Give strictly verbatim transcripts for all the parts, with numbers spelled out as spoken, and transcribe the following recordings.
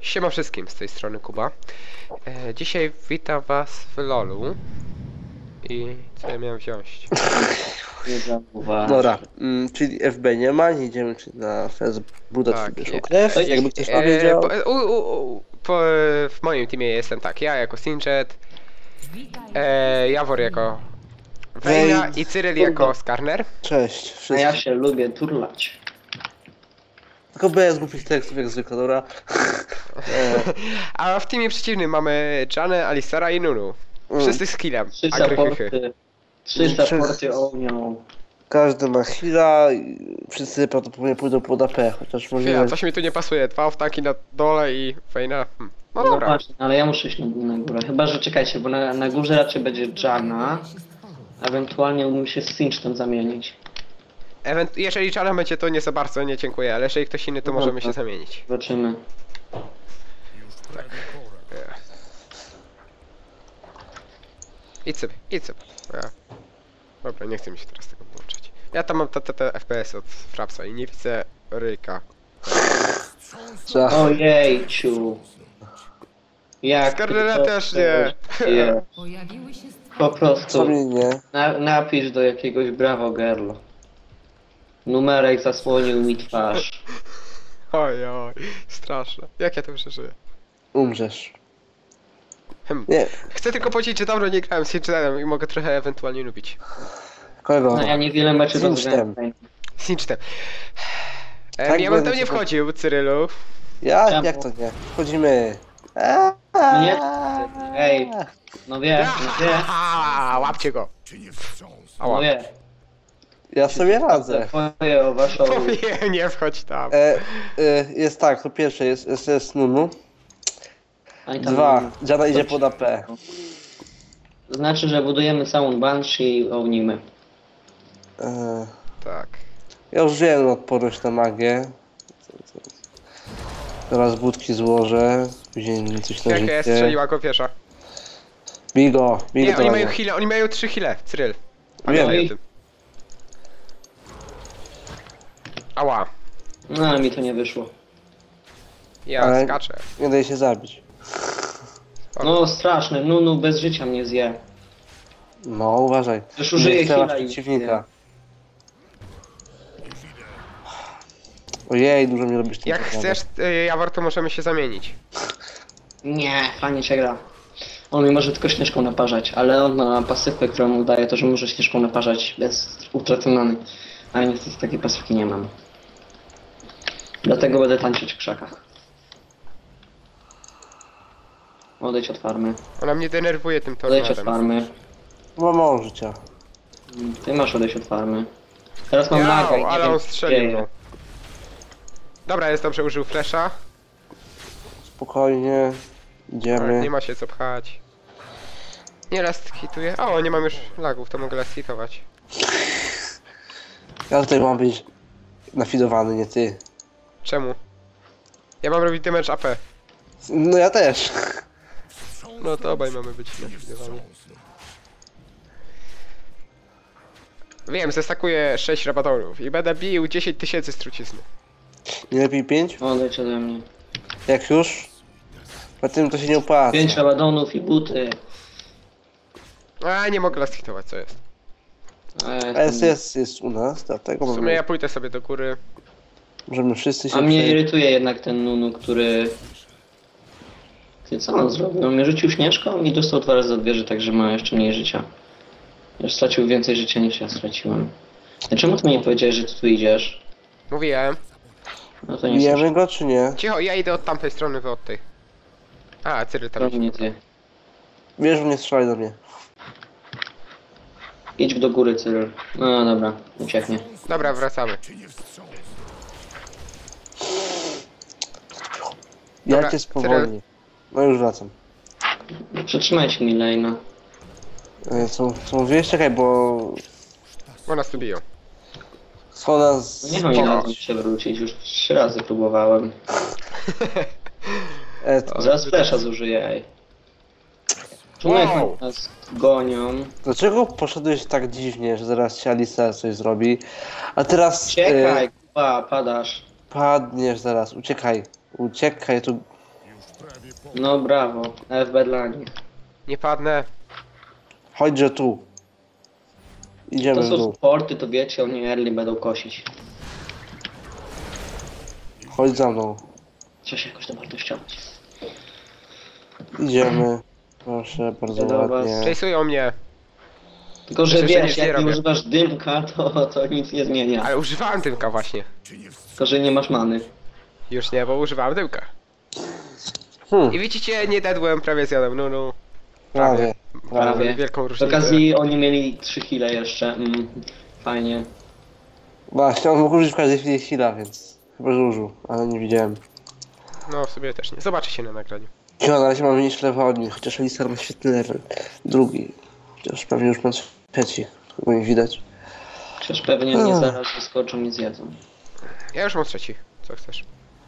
Siema wszystkim, z tej strony Kuba. E, dzisiaj witam was w lolu. I co ja miałem wziąć? Dobra, mm, czyli F B nie ma, nie idziemy czyli na Fez budować Tak, sobie je- krew, e, jakby ktoś e, powiedział. po, u, u, u, po, w moim teamie jestem tak, ja jako Singed, e, Jawor jako Vayna Wej- i Cyril jako Skarner. Cześć, A wszystkim. ja się lubię turlać. Tylko bez głupich tekstów jak zwykle, dobra. e, A w teamie przeciwnym mamy Janę, Alistara i Nunu. Wszyscy z killem. Trzy Agrychychy. supporty. Trzy Trzy- supporty ognią. każdy ma heala i wszyscy prawdopodobnie pójdą pod A P, chociaż Chwila, możliwe... coś mi tu nie pasuje. Dwa oftaki na dole i Vayna. Hmm. No No dobra. właśnie, ale ja muszę iść na, na górę. Chyba, że czekajcie, bo na, na górze raczej będzie Jana. Ewentualnie mógłbym się z Sinchtem zamienić. Ewent jeżeli Jana będzie, to nie za bardzo, nie dziękuję, ale jeżeli ktoś inny, to No możemy dobra. się zamienić. Zobaczymy. Idź sobie, idź sobie. Ja. Dobra, nie chcę mi się teraz tego włączać. Ja tam mam te, te, te F P S od Frapsa i nie widzę ryjka. Trzeba... Ojejciu. Jak Skarnera ty to też nie. je- Pojawiły się stworzenia. Po prostu Co mi nie? na, napisz do jakiegoś brawo girl. Numerek zasłonił mi twarz. Oj, oj, straszne. Jak ja to przeżyję? Umrzesz. Hmm. Nie, Chcę tylko powiedzieć, że dawno nie grałem z Sinchetem i mogę trochę ewentualnie lubić. kogo? No ja niewiele meczów Sinchtem. rozgrałem. Sinchetem. Tak Em, ja bym będę tam nie się- wchodził, Cyrylu. Ja? Czemu? Jak to nie? Wchodzimy. Eee, Nie, ej, no wie, no wie, Aha, łapcie go. no Ała. wie. ja sobie radzę. Twoje o waszą... Nie, nie wchodź tam. E, e, jest tak, po pierwsze jest, jest, jest Nunu. Ani tam- Dwa, Jana idzie pod A P. Znaczy, że budujemy całą Banshee i ognimy. E, Tak. ja już wiem odporność na magię. Teraz budki złożę, później coś na Jaka życie. strzeliła go pierwsza. Bigo, bigo Nie, oni do mają mnie. heale, oni mają trzy heale, Cyryl. Wiem. Pamiętaj o tym. Ała. No, ale mi to nie wyszło. Ja Ale- skaczę. Nie daje się zabić. No, straszne, Nunu bez życia mnie zje. No, uważaj. Już użyję Nie strzelasz heala i- przeciwnika. Ojej, dużo mi robisz tym Jak pokazem. chcesz, y, Jawor, to możemy się zamienić. Nie, fajnie się gra. On mi może tylko śnieżką naparzać, ale on ma pasywkę, którą mu daje to, że może śnieżką naparzać bez utraty many. Ale niestety takiej pasywki nie mam. Dlatego będę tańczyć w krzakach. Odejdź od farmy. Ona mnie denerwuje tym Odejdź od tornadem. farmy. Ma mało życia. Ty masz odejść od farmy. Teraz mam laga i Ja, nie ale wiem, on co się strzelił, dzieje. no. Dobra, jest dobrze, użył flasha. Spokojnie. Idziemy. Nie ma się co pchać. Nie last hituję. O, nie mam już lagów, to mogę last hitować. Ja tutaj mam być nafidowany, nie ty. Czemu? Ja mam robić damage A P. No ja też. No to obaj mamy być nafidowani. Wiem, zestakuję sześć rabatorów i będę bił dziesięć tysięcy z trucizny. Nie lepiej pięć? Odejdź ode mnie. Jak już? Po tym to się nie opłaca. Pięć rabadonów i buty. A nie mogę last hitować, co jest? A, ja S jestem- jest, jest u nas, dlatego W sumie możemy, ja pójdę sobie do góry. możemy wszyscy się A mnie przejść. irytuje jednak ten Nunu, który... Ty, co on zrobił? On mnie rzucił śnieżką i dostał dwa razy od wieży, także ma jeszcze mniej życia. Już stracił więcej życia niż ja straciłem. A czemu ty mi nie powiedziałeś, że ty tu idziesz? Mówiłem. No to nie słyszę. Bijemy go czy nie? Cicho, ja idę od tamtej strony, wy od tej. A, Cyryl tam To idzie. nie ty. Wiesz, nie strzelaj do mnie. Idź do góry, Cyril. No dobra, ucieknie. Dobra, wracamy. Dobra, Ja cię spowolni. No już wracam. Przytrzymajcie mi Lejna. E, Co, co mówiłeś? Czekaj, bo... Bo nas tu biją. Schoda z... No nie mam ile razy się wrócić, już trzy razy próbowałem. E, to, Zaraz flesza zużyję, ej. Czemu Wow. nas gonią? dlaczego poszedłeś tak dziwnie, że zaraz ci Alisa coś zrobi? A teraz... Uciekaj, E, kupa, padasz. padniesz zaraz, uciekaj. Uciekaj, tu... No brawo, F B dla nich. Nie padnę. Chodźże tu. Idziemy To w są dół. sporty, to wiecie, oni early będą kosić. Chodź za mną. Trzeba się jakoś dowartościować. Idziemy. Proszę, bardzo Do was. ładnie. Chase'ują mnie. Tylko, że Przecież ja wiesz, nic nie jak nie robię. używasz dymka, to, to nic nie zmienia. Ale używałem dymka właśnie. Tylko, że nie masz many. Już nie, bo używałem dymka. Hmm, I widzicie, nie dedłem, prawie zjadłem, no no. prawie. Prawie. Wielką Z różnicę. okazji oni mieli trzy heale jeszcze. Mm, fajnie. Właśnie, on mógł użyć w każdej chwili heala, więc chyba, że użył, ale nie widziałem. No w sobie też nie. Zobaczy się na nagraniu. Jo, na razie mam mniejszy level od nich, chociaż Alistar ma świetny level. Drugi. Chociaż pewnie już ma trzeci, bo nie widać. Przecież pewnie mnie Ach. zaraz wyskoczą i zjedzą. Ja już mam trzeci. Co chcesz?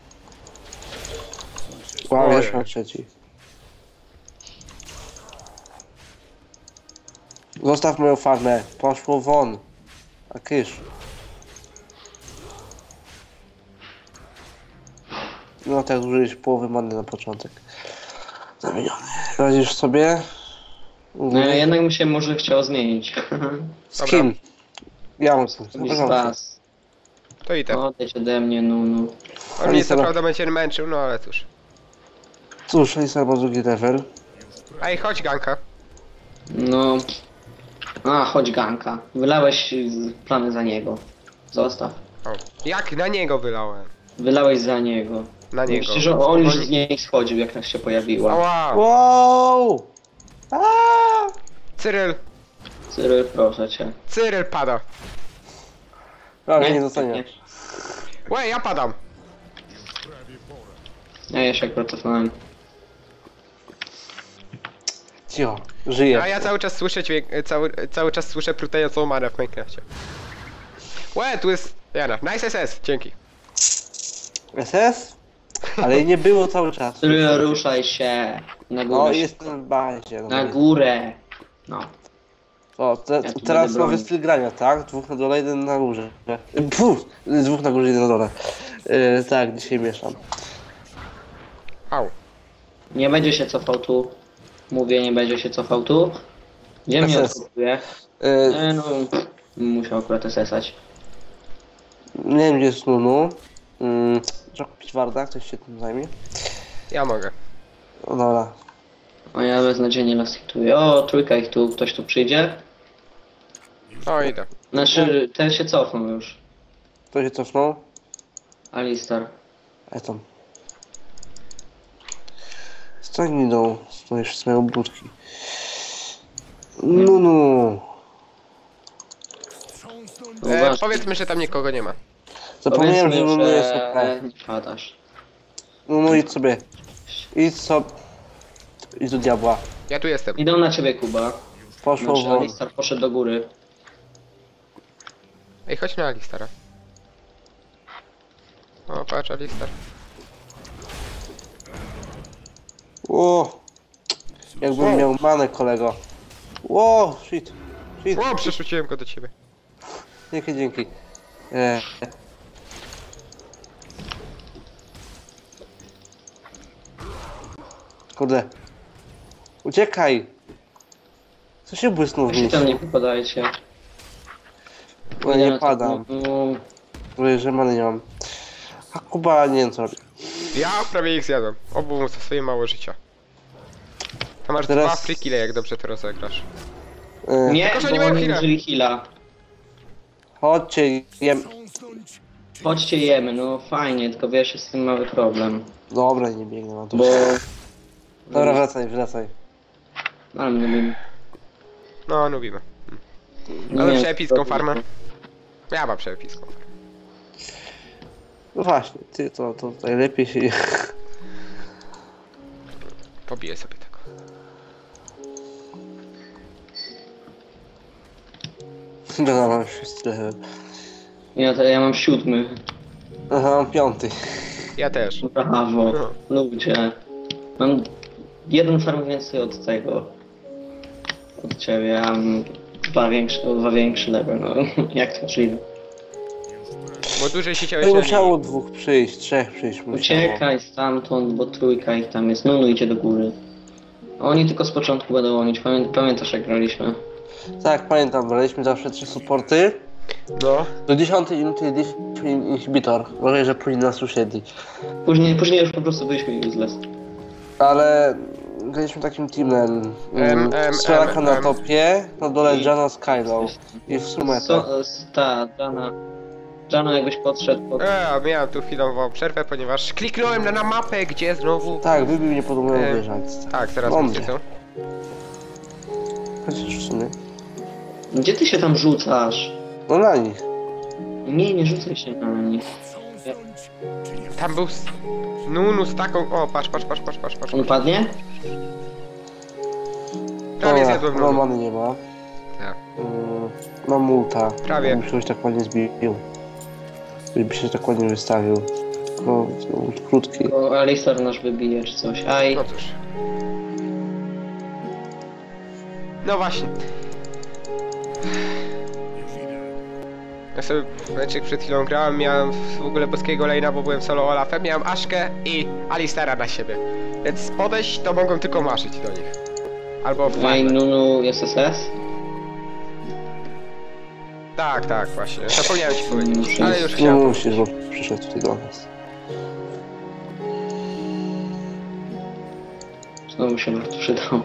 Wow, Ojej. już ma trzeci. Zostaw moją farmę, poszło won. A kysz. No tak, użyłeś połowy many na początek. Zamieniony. Radzisz sobie? No ja jednak bym się może chciał zmienić. Z Dobra. kim? Ja mam tu. Któryś z was. To idę. Odejdź ode mnie, no no. On mnie co Alistar- prawda będzie męczył, no ale cóż. Cóż, Alistar ma drugi level. Ej, chodź ganka. No. A, chodź ganka. Wylałeś z- plany za niego. Zostaw. O. Jak na niego wylałem? Wylałeś za niego. Na niego. Przecież on- on już Oni- z niej schodził, jak nas się pojawiła. Ała! Wow! Aaaa! Cyryl! Cyryl, proszę cię. Cyryl pada. Prawie nie dostanie. Łe, ja padam. Ja jeszcze jak protestowałem. Cicho, żyje. A ja cały czas słyszę dźwięk, cały, cały czas słyszę prutejącą manę w Minecrafcie. Łe, tu jest Jana. Nice S S, dzięki. S S? Ale jej nie było cały czas. Cyryl, ruszaj się. Na górę. O, się- jestem w bazie. Na górę. No. O, te, Ja tu teraz będę nowy bronił. styl grania, tak? Dwóch na dole, jeden na górze. Puf! Dwóch na górze, jeden na dole. Yy, tak, dzisiaj mieszam. Au. Nie będzie się cofał tu. Mówię, nie będzie się cofał tu. Gdzie mnie S S. odkupuje? Yy, E, no, musiał akurat esesać. nie wiem, gdzie jest Nunu. Yy, trzeba kupić Warda, ktoś się tym zajmie. Ja mogę. O, dobra. A ja beznadziejnie las hituję. O, trójka ich tu, ktoś tu przyjdzie. O, idę. Znaczy, ten się cofnął już. Kto się cofnął? Alistar. A tam. Stań idą, stoisz z moją budki. Nunu. E, Uważaj. powiedzmy, że tam nikogo nie ma. Zapomniałem, że Powiedzmy, Nunu jest że okej. nie padasz. Nunu, idź sobie. Idź sobie. Idź do diabła. Ja tu jestem. Idą na ciebie, Kuba. Poszło Znaczy, won. Alistar poszedł do góry. Ej, chodź na Alistara. O, patrz, Alistar. O! Jakbym Wow. miał manę, kolego. Wow, shit. Shit. O, przerzuciłem go do ciebie. Dzięki, dzięki. E. Kurde. Uciekaj! Co się błysnął w Jak się tam mieście? nie podajcie. No nie padam. No, Mówię, że many nie mam. A Kuba nie wiem co robi. Ja prawie ich zjadłem. Obu mu swoje mało życia. Tam masz Teraz- dwa free kille, jak dobrze to rozegrasz. E. nie, Tylko, że nie bo mają oni heala. użyli heala. Chodźcie, jem. Chodźcie jemy, no fajnie, tylko wiesz, jest z tym mały problem. Dobra, nie biegnę na to. Bo... Dobra, wracaj, wracaj. Ale mnie nie No, lubimy. nie Ale wiem, przeepicką co farmę. robić. Ja mam przeepicką. No właśnie, ty to, to tutaj lepiej się... Pobiję sobie tego. Dobra, mam szósty level. Ja, to, ja mam siódmy. Aha, mam piąty. Ja też. Brawo, No. ludzie. Mam jeden farm więcej od tego. Od ciebie, ja mam dwa większe, o dwa większy level, no jak to możliwe. Bo dłużej No siedziałeś i na musiało linii. dwóch przyjść, trzech przyjść musiało. Uciekaj stamtąd, bo trójka ich tam jest. Nunu idzie do góry. A oni tylko z początku będą łonić. Pamię pamiętasz jak graliśmy? Tak, pamiętam, braliśmy zawsze trzy supporty. No. Do dziesiątej minuty liczyliśmy inhibitor. Uważaj, że później nas usiedli. Później, później już po prostu byliśmy useless. Ale graliśmy takim teamem. Em, em, Strzelaka em, na em. topie, na dole I- Jana z Kylą. I w sumie tak. So, s- ta, Jana. Jana jakbyś podszedł pod... E, miałem tu chwilową przerwę, ponieważ kliknąłem na, na mapę, gdzie znowu... Tak, wybił mnie pod moją Em, wieżę. Tak, teraz Mądrze. wiecie co? Chociaż w sumie. Gdzie ty się tam rzucasz? No na nich. Nie, nie rzucaj się na nich. Tam był... s- Nunu z taką... O, patrz, patrz, patrz, patrz, patrz, patrz. On padnie? Prawie Dobra, zjadłem no Nunu. many nie ma. Tak. Mm, Mam multa. Prawie. Bym się ktoś tak ładnie zbił. Gdyby się tak ładnie wystawił. No, to krótki. Bo Alistar nasz wybije czy coś. Aj. No cóż. No właśnie. Ja sobie meczek przed chwilą grałem, miałem w ogóle boskiego lane'a, bo byłem solo Olafem, miałem Aszkę i Alistara na siebie. Więc podejść to mogą tylko marzyć do nich. Albo w Ej, farmę. Nunu jest S S? Tak, tak, właśnie. Zapomniałem ci powiedzieć. Muszę Ale już iść. Nie chciałem. musisz, bo przyszedł tutaj do nas. Znowu się bardzo przydał.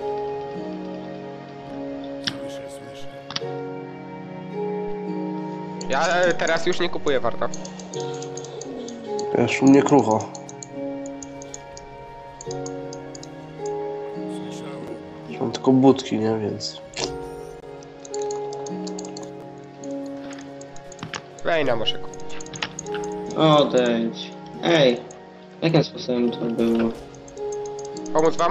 Ja e, teraz już nie kupuję warta. Wiesz, u mnie krucho. Mam tylko budki, nie? Więc... Wejna muszę kupić. Odejdź. Ej. Jakim sposobem to było? Pomóc wam?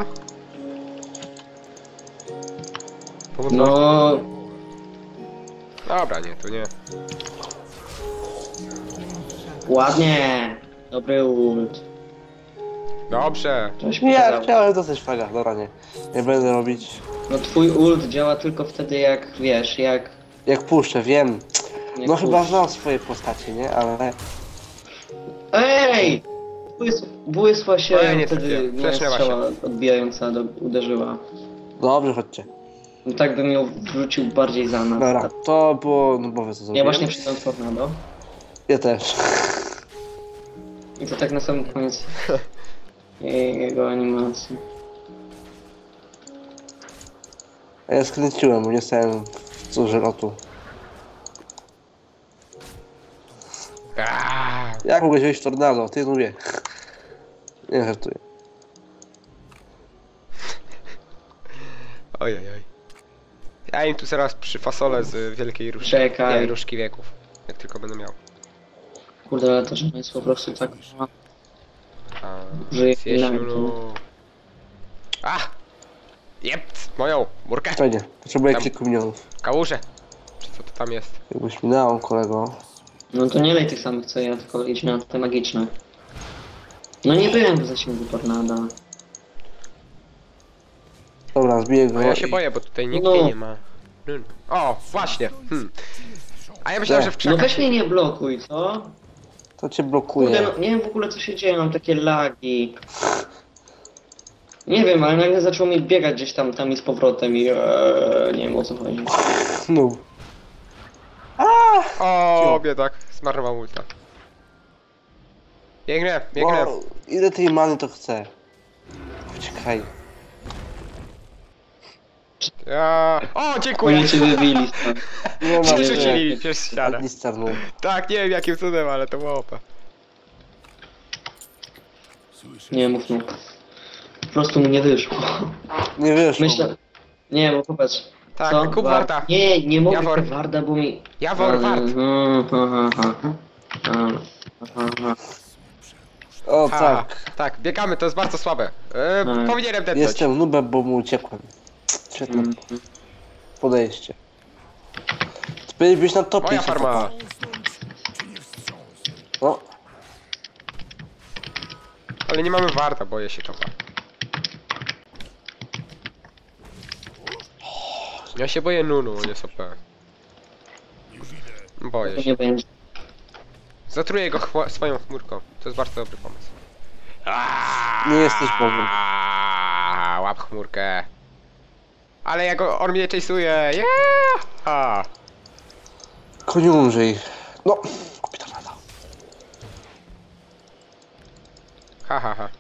Pomóc wam? No... Dobra, nie, to nie. Ładnie! Dobry ult. Dobrze. Coś Nie, ja pokazał. chciałem dostać fraga, dobra, nie. Nie będę robić. No twój ult działa tylko wtedy jak, wiesz, jak... Jak puszczę, wiem. jak No chyba pusz- znam swoje postacie, nie? Ale... Ej! Błys- Błysła się Ej, nie wtedy trafiłem. moja Flesznęła strzała odbijająca do, uderzyła. Dobrze, chodźcie. No tak bym ją wrzucił bardziej za nas. Dobra, to było nubowe co Ja zrobiłem. właśnie przyjąłem tornado. Ja też. I to tak na samym koniec jego animacji. A ja skręciłem, bo nie stałem w córze lotu. Aaaa. Jak mogłeś wejść w tornado? Ty nubie. Nie żartuję. Ojej, oj. Ja im tu zaraz przyfasolę z wielkiej różki. Czekaj. Nie, różki wieków. Jak tylko będę miał. Kurde, ale to, że jest po prostu tak... A, Żyje zjeść chwilami, Lulu. A! Jept! Moją! Murkę! Fajnie, potrzebuję Tam. kilku milionów. Kałużę! Czy co to tam jest? Jakbyś mi dał, kolego. No to nie lej tych samych co ja, tylko idź na te magiczne. No nie byłem w zasięgu tornada. Dobra, zbiję go. No ja się i- boję, bo tutaj nikt No. mnie nie ma. Lulu. O! Właśnie! Hmm. A ja myślałem, Nie. że w No krzakach... weź mnie nie blokuj, co? To cię Kurde, blokuje. no nie wiem w ogóle co się dzieje, mam takie lagi. Nie wiem, ale nagle zaczął mi biegać gdzieś tam, tam i z powrotem i ee, nie wiem o co chodzi. No. O, biedak. Zmarnował ulta. Biegnę, biegnę. O, ile tej many to chcę? Uciekaj. Ja... O, dziękuję! Oni cię wybili stąd. Nie ma Przerzucili przez ścianę. Administer, no. Tak, nie wiem jakim cudem, ale to było O P. Nie mów mu. Po prostu mu nie wyszło. Nie wiesz. Myślę... Nie, bo popatrz. Tak, Co? kup War- warta. Nie, nie mogę Jawor. kup warda, bo mi... Jawor wart. Aha, aha, aha. Aha. O, A, tak. tak, biegamy, to jest bardzo słabe. E, Tak. powinienem depnąć. Jestem nubem, bo mu uciekłem. Świetne Mm. podejście. Ty powinieneś być na topie. Moja się farma. kopał. No, Ale nie mamy warta, boję się topa. Ja się boję Nunu, on jest O P. Boję To się. nie będzie. Zatruję go chło- swoją chmurką. To jest bardzo dobry pomysł. Nie jesteś Bogiem. Aaaa, łap chmurkę. Ale ja go, on mnie chase'uje. Yeah! Ha. Koniu umrzyj. No, kupi to lada. Ha, ha, ha.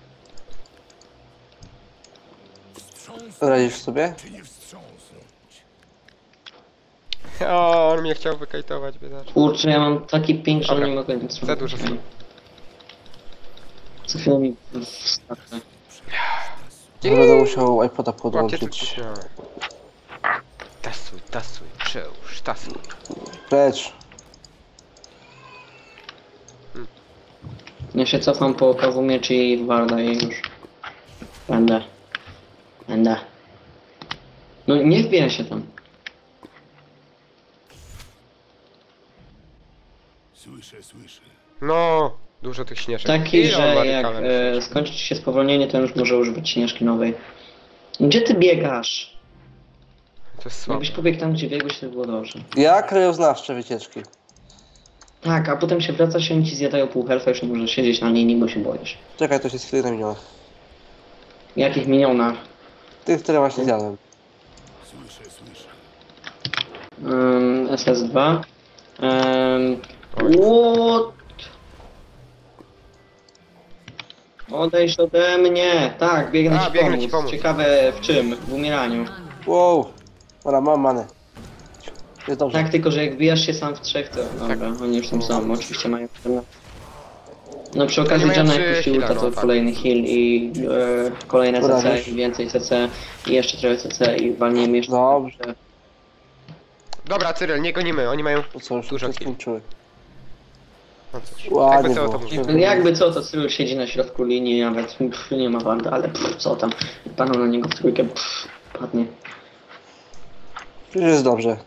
Radzisz sobie? O, on mnie chciał wykajtować, biedaczek. Kurczę, ja mam taki ping, że Dobra. nie mogę nic Za dużo zrobić. są. Co chwilę mi wstawia. Będę musiał iPoda Łapcie podłączyć. tylko. Tasuj, tasuj, przełóż, tasuj. Precz. Ja się cofam po kawu mieczy i warda i już. Będę. Będę. No nie wbija się tam. Słyszę, słyszę. No, dużo tych śnieżek. Taki, Ile on ma że jak rykalem e, śnieżek? skończy ci się spowolnienie, to już może używać śnieżki nowej. Gdzie ty biegasz? To jest słabe. Jakbyś pobiegł tam, gdzie biegłeś, to by było dobrze. Ja krajoznawcze wycieczki. Tak, a potem się wracasz i oni ci zjadają pół health'a, już nie możesz siedzieć na linii, bo się boisz. Czekaj, to się chwilę zamieniło. Jakich minionach? Tych, które właśnie zjadłem. Słyszę, słyszę. Um, S S dwa. Um, Oj. what? Odejdź ode mnie! Tak, biegnę A, ci biegnę pomóc. ci pomóc. Ciekawe w czym? W umieraniu. Wow. Dobra, mam manę. Jest dobrze. Tak, tylko że jak wbijasz się sam w trzech, to Tak. dobra, oni już tam są, oczywiście mają pewne. No przy okazji Oni mają Jana trzy jak puścił heala, ulta, no to tak. kolejny heal i e, kolejne Dobra, C C, wiesz. i więcej C C i jeszcze trochę C C i walniemy jeszcze. Dobrze. Dobra, Cyril, nie gonimy, oni mają... To co, już Dużo się chwil. skończyły. No cóż, Ładnie jakby co, było. to mówię. No jakby co, to Cyril siedzi na środku linii, nawet pff, nie ma warta, ale pff, co tam, paną na niego w trójkę, pff, padnie. Już jest dobrze.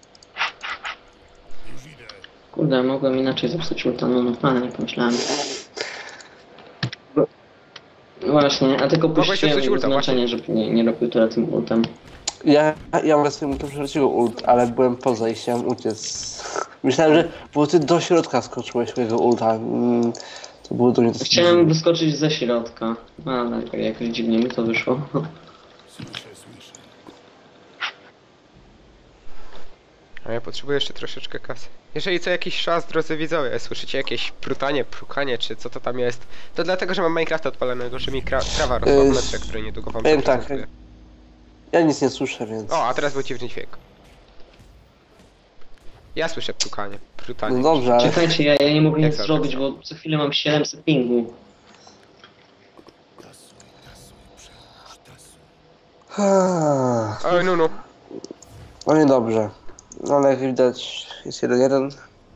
Już idę. Kurde, mogłem inaczej zepsuć ulta, no no, ale nie pomyślałem. No właśnie, a tylko Mogłeś puściłem zepsuć ulta, znaczenie, żeby nie, nie robił tyle tym ultem. Ja, ja mogę sobie to przerzucił ult, ale byłem poza i chciałem uciec. Myślałem, że bo ty do środka skoczyłeś mojego ulta. Mm, to było do mnie dosyć Chciałem dziwne. wyskoczyć ze środka, ale tak jakoś dziwnie mi to wyszło. Słyszę, słyszę. A ja potrzebuję jeszcze troszeczkę kasy. Jeżeli co jakiś czas, drodzy widzowie, słyszycie jakieś prutanie, prukanie, czy co to tam jest, to dlatego, że mam Minecrafta odpalonego, że mi kra trawa rosła w Yy, metrze, który niedługo wam powiem tak, zaprezentuję. Ja nic nie słyszę, więc... O, a teraz był dziwny dźwięk. Ja słyszę prukanie, prutanie. No dobrze, ale... Czekajcie, ja, ja nie mogę Jak nic za- zrobić, bo co chwilę mam siedemset pingu. Tasuj, tasuj, przełóż, tasuj. Ah, Oj, no, no. no niedobrze. No ale jak widać jest jeden jeden.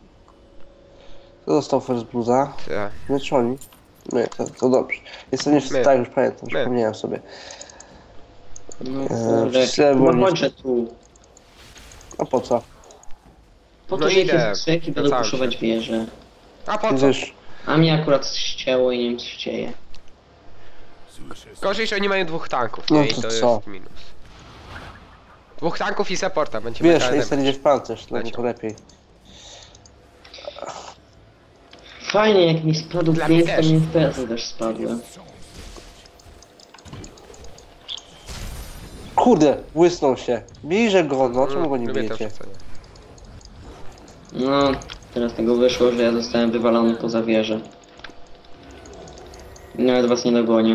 To dostał first bluza. Ta. Nie czy oni? Nie, to, to dobrze. Jestem nie w My. tak już pamiętam, My. przypomniałem sobie. No Eee, kurde, źle było no nic. chodźże tu. A po co? Po No to, że idę, jakieś strzeki będą wracałem puszować się. wieże. A po co? Wiesz, A mnie akurat ścięło i nie wiem co się dzieje. Słyszę, słyszę. Gorzej, że oni mają dwóch tanków, No nie? I to to co? jest minus. Dwóch tanków i supporta, będzie wiesz, mega jestem damage. idzie w pancerz, dla mnie Leciał. to lepiej. Fajnie, jak mi spadł Dla mnie pięć, to też. mi F P S-y też spadły. Kurde, błysnął się. Bijże go, no czemu go nie Lubię to bijecie? wrzucenie. No, teraz tego wyszło, że ja zostałem wywalony poza wieżę. Nawet was nie dogonię.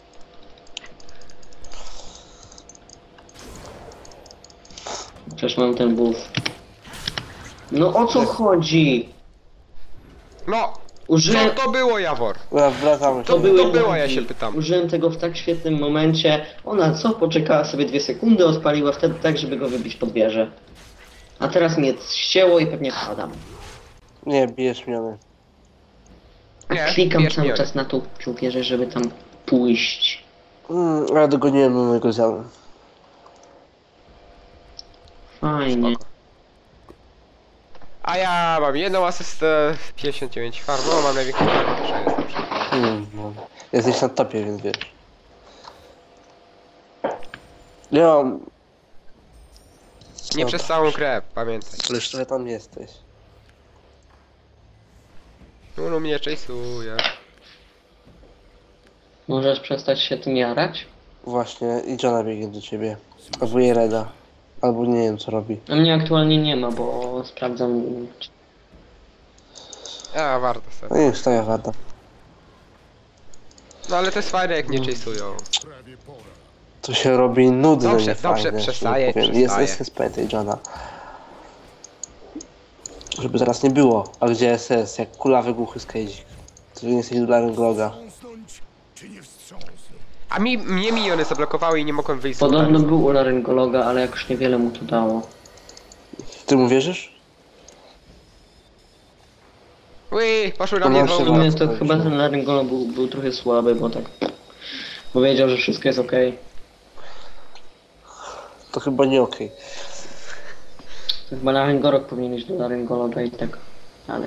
Przecież mam ten buff. No o co chodzi? No! Użyłem... Co to było, Jawor? Dobra, wracamy To się. były to było, lagi. ja się pytam. Użyłem tego w tak świetnym momencie. Ona co? Poczekała sobie dwie sekundy, odpaliła wtedy tak, żeby go wybić pod wieżę. A teraz mnie ścięło i pewnie padam. Nie, bijesz miony. A Nie, klikam bierz cały miory. czas na tą tą wieżę, żeby tam pójść. Mm, ale dogoniłem mojego zjadłem. Fajnie. Spoko. A ja mam jedną asystę, pięćdziesiąt dziewięć farm, no mam największą farmę, też jestem przy... Mm, no. Jesteś na topie, więc wiesz. Nie mam... Nie Dobra. przez całą grę, pamiętaj. Ale już trochę tam jesteś. Nunu mnie chase'uje. Możesz przestać się tym jarać? Właśnie, i Johna biegnie do ciebie. Albo Jereda. Albo nie wiem co robi. A mnie aktualnie nie ma, bo sprawdzam... A, warto No sobie. nie stawia wada. No ale to jest fajne jak mnie chase'ują. Prawie pora. To się robi nudne, Dobrze, nie dobrze, fajne, że przestaję, tak powiem. Jest, przestaję. jest S P tej Johna. Żeby zaraz nie było. A gdzie S S? Jak kulawy głuchy skejzik. To nie jesteś dolarem Gloga. Wstrząsnąć, czy nie wstrząsnąć? A mi, mnie miniony zablokowały i nie mogłem wyjść z Podobno ulta. był u laryngologa, ale jakoś niewiele mu to dało. Ty mu wierzysz? Ui, poszły na To mnie nam dwa się W ulta. sumie Dobra, to to chyba już- ten laryngolog był, był trochę słaby, bo tak... Powiedział, że wszystko jest okej. To chyba nie okej. To chyba laryngolog powinien iść do laryngologa i tak... Ale...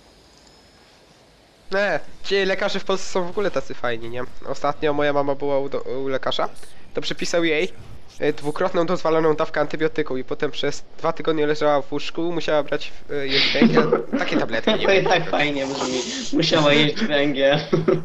Nie, ci lekarze w Polsce są w ogóle tacy fajni, nie? Ostatnio moja mama była u, do, u lekarza, to przypisał jej e, dwukrotną dozwoloną dawkę antybiotyku i potem przez dwa tygodnie leżała w łóżku, musiała brać e, jeść węgiel, takie tabletki, nie To i wiem. tak fajnie brzmi. Musiała jeść węgiel.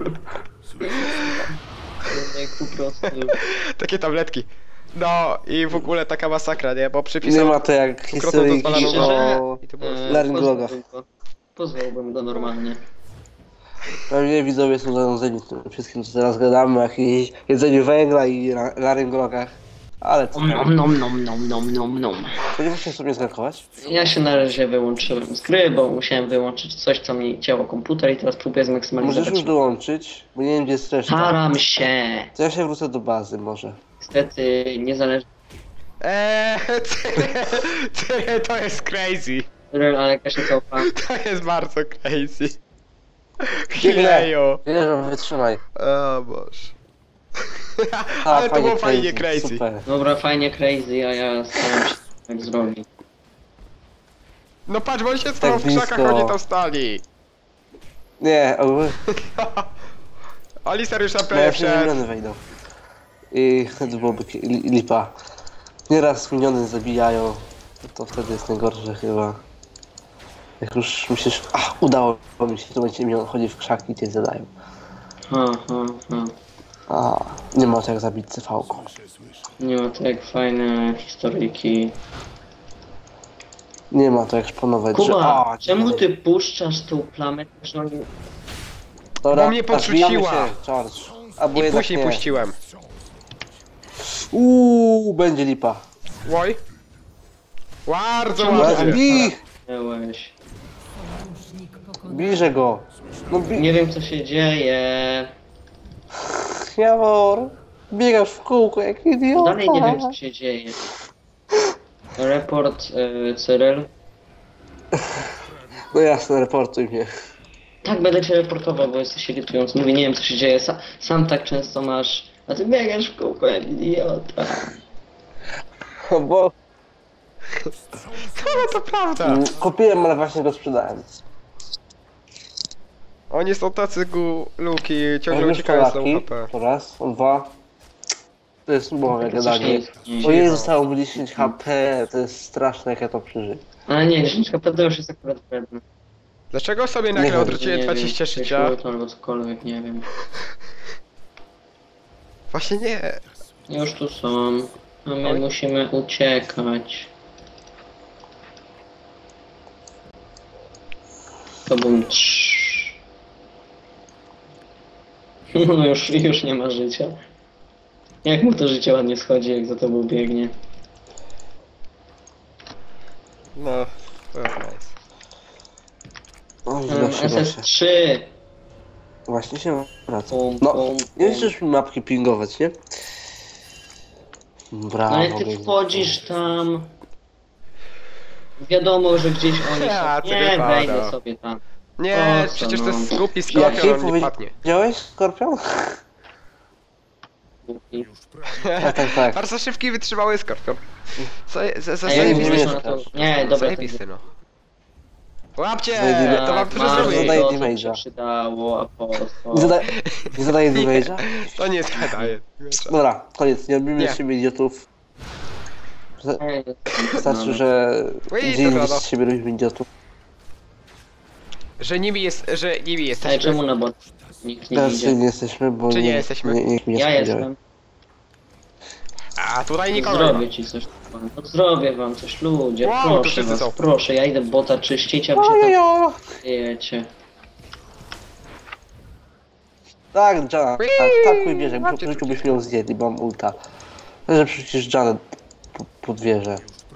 Po prostu... Takie tabletki. No i w ogóle taka masakra, nie? Bo Nie przypisał ma to jak dwukrotną historyjki dozwoloną o... i to było... e, laryngologa. pozwałbym go. Pozwałbym go normalnie. Pewnie widzowie są zanudzeni tym wszystkim, co teraz gadamy, o jakimś jedzeniu węgla i la- laryngologach. Ale co Om tam? nom nom nom nom nom nom. Spodziewasz sobie zgankować? Ja się na razie wyłączyłem z gry, bo musiałem wyłączyć coś, co mi cięło komputer i teraz próbuję Możesz zmaksymalizować. już dołączyć, bo nie wiem gdzie jest reszta. Staram się. To ja się wrócę do bazy może. Niestety niezależnie, Eee, tyle, to jest crazy. ale jakaś nie całkiem. To jest bardzo crazy. Chwilejo. Wierzę, wytrzymaj. O Boże. A, Ale to było fajnie crazy. Super. Dobra, fajnie crazy, a ja staram się tak zrobić. No patrz, bo oni się stoją w blisko. krzakach, oni tam stali. Nie, ogólnie Alistair już na no, pewno jak się wszedł. miniony wejdą. I wtedy byłoby ki- li- lipa. Nieraz miniony zabijają, to wtedy jest najgorsze chyba. Jak już myślisz, a udało mi się, to będzie minion chodzi w krzaki i cię zadają. Ha, ha, ha. A nie ma to jak zabić cyfałką. Słyszę, słyszę. Nie ma to jak fajne historyjki. Nie ma to jak szponować, że... Kuba, A, czemu nie. ty puszczasz tą plamę, że oni... Dobra, Bo mnie a podrzuciła. zbijamy się, Charge. Albo I jednak później nie. puściłem. Uuu, będzie lipa. Oj. Bardzo Czemu ładnie. ty- Bij! Byłeś. Bijże go. No bij... Nie wiem co się dzieje. Jawor. Biegasz w kółko jak idiota. Dalej nie wiem co się dzieje. Report y, Cyril. No jasne, reportuj mnie. Tak, będę cię reportował, bo jesteś irytujący. Mówię, nie wiem co się dzieje. Sa, sam tak często masz. A ty biegasz w kółko jak idiota. O, bo No to prawda. mm, kupiłem, ale właśnie go sprzedałem. Oni są tacy guluki, ciągle Już uciekają z tą Polaki. H P. To raz, on dwa. To jest moje Coś gadanie. nie jest. Nie, O Jezu, zostało mu dziesięć H P. To jest straszne jak ja to przeżyję. Ale nie, dziesięć K P to już jest akurat wredne. Dlaczego sobie Nie nagle wiem, odwróciłem Nie dwadzieścia wiem, życia? jakieś auto albo cokolwiek, nie wiem. Właśnie nie. Już tu są. A my Oj. musimy uciekać. To bym trz. No już, już nie ma życia. Jak mu to życie ładnie schodzi, jak za tobą biegnie. No, to jest nice. O, źle Um, się S S właśnie. trzy. Właśnie się wraca. Pum, No, pum, nie pum. chcesz mi mapki pingować, nie? Brawo. No ale ty Gejzer. wchodzisz tam. Wiadomo, że gdzieś oni Ja, są. ty Nie, wypada. wejdę sobie tam. Nie, Po co, przecież to no? jest głupi Jaki skorpion, on nie powie- padnie. Widziałeś, Skorpion? I- Już prawie. Tak, tak, tak. Bardzo szybki, wytrzymały skorpion. Co, za, za, A ja nie nie zajebisty. wiem, mieszkasz. na to... Nie, dobra, to Zajebisty, no. Łapcie! Zajebisty. To wam dużo Bardzo zrobię. zadaję to, co mi damage'a. się przydało, a po co? Nie, zada... nie zadaję damage'a? To nie zadaje. Dobra, koniec, nie robimy Nie. z siebie idiotów. Ej, Wystarczy, że Ui, gdzie dobra, indziej no. z siebie robimy idiotów. Że nimi jest, że nimi Ej, jesteśmy. czemu na bot? Nikt nie Teraz idzie. nie jesteśmy, bo Czy nie jesteśmy? Nie, nikt mi nie Ja spodziewał. jestem. A tutaj nikogo nie ma. Zrobię ci coś. No, zrobię wam coś, ludzie. Wow, to proszę wszyscy was, są. proszę. Ja idę bota czyścić, a wy się tam Ojojo! jecie. Tak, Jana, tak, tak mój wierzę, Łapcie w życiu byśmy ją zjedli, bo mam ulta. Że przecież Janet po- pod wieżę.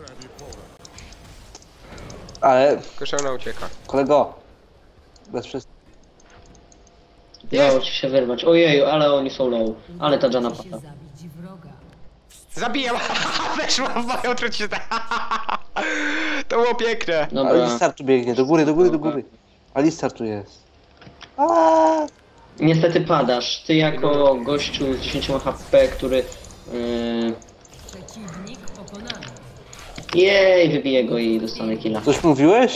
Ale, Tylko ona ucieka. kolego, bez wszystkich. Udało ci się wyrwać. Ojeju, ale oni są low. Ale ta Jana pada. zabić wroga. Zabijam! Weszła w moją truciznę! To było piękne! Dobra. Alistar tu biegnie, do góry, do góry, do góry. Alistar tu jest. Aaaa! Niestety padasz. Ty jako gościu z dziesięcioma H P, który... Yy... Przeciwnik pokonany. Jej, wybiję go i dostanę killa. Coś mówiłeś?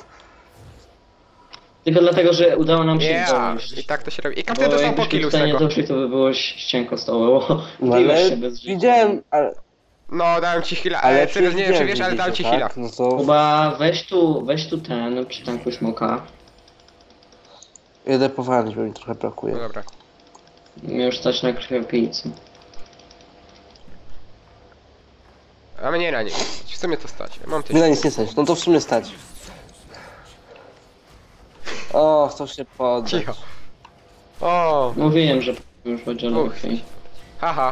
Tylko dlatego, że udało nam się Yeah! dojść. I tak to się robi. I Bo każdy dostał po jakbyśmy killu z tutaj nie tego. doszli, to by było ścienko stoło, bo No biłeś ale się bez życia. widziałem, ale... No, dałem ci heala. Ale Ale teraz nie wiem czy widziałem, wiesz, ale dałem ci widzicie, heala. tak? No to Chyba weź tu, weź tu ten, przy tanku smoka. jedę powalić, bo mi trochę No brakuje. dobra. Mnie już stać na krwiopijcy. A mnie na nie. W sumie to stać. Mam Mi tysiąc. na nic nie stać, no to w sumie stać. O, to się poddać. Cicho. O, Mówiłem, że już będzie Uch. lepiej. haha.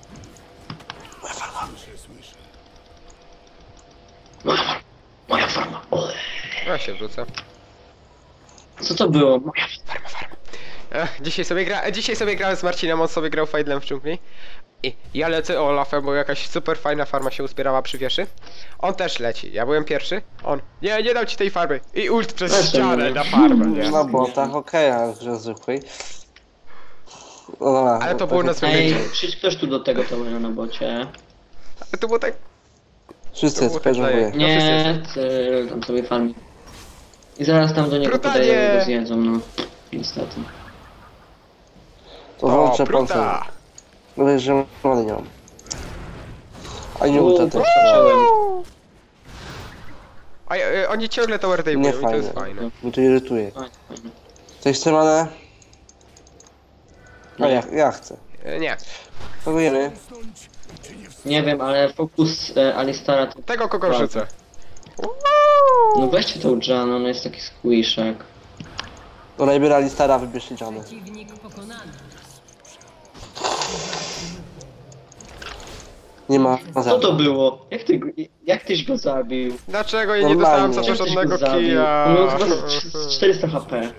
Moja farma. Ole. Ja się wrócę. Co to było? Moja Farma, farma. Ech, dzisiaj sobie gra... Dzisiaj sobie grałem z Marcinem, on sobie grał Fajdlem w dżungli. I ja lecę Olafem, bo jakaś super fajna farma się uzbierała przy wieży. On też leci. Ja byłem pierwszy. On. Nie, nie dam ci tej farmy. I ult przez Zresztą ścianę nie. na farmę, nie? Na botach, okej, ale w grze zwykłej. No dobra, Ale to no było na tak- zwykłej. Ej, przyjdź ktoś tu do tego towera na bocie. Ale to było tak... Wszyscy to było tak speżowuję. No, Nie, ty, tam sobie farmi. I zaraz tam do niego Brutalnie. podają i go zjedzą, no. Niestety. To O, włączę pancerz. pruta! No wiesz, że many nie mam. A nie ulta Uuu, też. poskoczyłem. A e, oni ciągle tower Nie dejmują i to jest fajne. fajne. Mnie to irytuje. Fajnie, fajnie. Ktoś chce manę? A Nie. ja, ja chcę. E, Nie. Kogo jemy? Nie wiem, ale fokus e, Alistara to... Tego kogo Prawda. rzucę. No weźcie tą Jan, ona jest taki squishek. To najbiera Alistara, wybierzcie Janę. Przeciwnik pokonany. Nie ma Co to było? Jak, ty, go- jak tyś go zabił? Dlaczego ja nie Normalnie. dostałem za to Jak tyś żadnego go zabił? killa? On miał chyba z czterysta H P.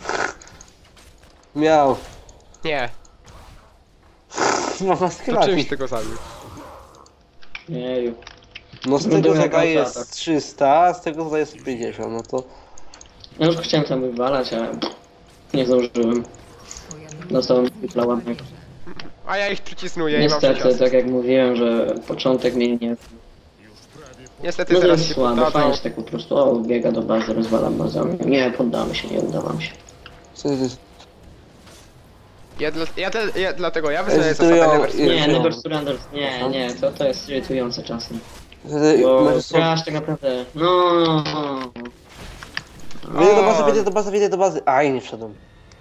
Miał. Nie, No, na to czymś sklepie. tego zabił. Jeju. No z Wyglądał tego jak zadaje auto, tak. jest trzysta, a z tego zadaje sto pięćdziesiąt, no to... Ja już chciałem tam wywalać, ale nie zdążyłem. Twoja Dostałem drużyna tripla ładnego. A ja ich przycisnuję i mam Niestety, sześć tak jak mówiłem, że początek mnie nie... Niestety No to zaraz jest się słabe, poddadzą. fajnie, że tak po prostu, o, biega do bazy, rozwalam bazę. Nie, poddamy się, nie uda wam się. Co to jest? Ja, dla, ja, te, ja dlatego ja wyznaję Zdecydują- zasadę never Nie, Nie, no. Never Surrender, nie, nie, to, to jest irytujące czasem. Wtedy Bo możesz sobie... grasz tak naprawdę, no... Wejdę do bazy, wejdę do bazy, wejdę do bazy. Aj, nie wszedłem.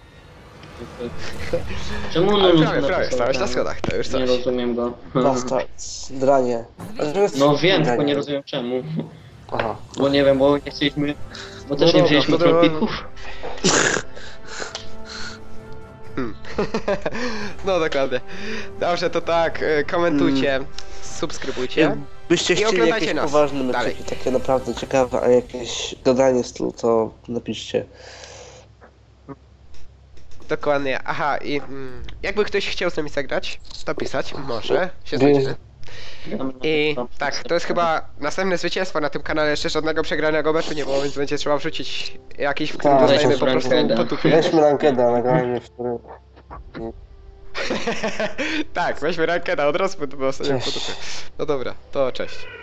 Czemu Ale no prawie, prawie, stałeś na schodach, to już Nie coś. rozumiem go. Basta, dranie. A dlaczego jest No wiem, dranie? tylko nie rozumiem czemu. Aha. Bo nie wiem, bo nie chcieliśmy... Bo też No nie dobra, wzięliśmy to dobra. tropików. Hmm. No dokładnie. Dobrze, to tak, y, komentujcie, subskrybujcie. Byście I chcieli oglądajcie jakieś nas poważne dalej. meczyki, takie naprawdę ciekawe, a jakieś gadanie stylu, to napiszcie. Dokładnie, aha i mm, jakby ktoś chciał z nami zagrać, to pisać, może się Wie- znajdziemy. I tak, to jest chyba następne zwycięstwo na tym kanale, jeszcze żadnego przegranego meczu nie było, więc będzie trzeba wrzucić jakiś, w którym Tak, dostajemy po weźmy prostu rankedę. potupy. Weźmy rankeda, nagrajmy w którym... Tak, weźmy rankeda, od razu dostaniemy Cześć. potupy. No dobra, to cześć.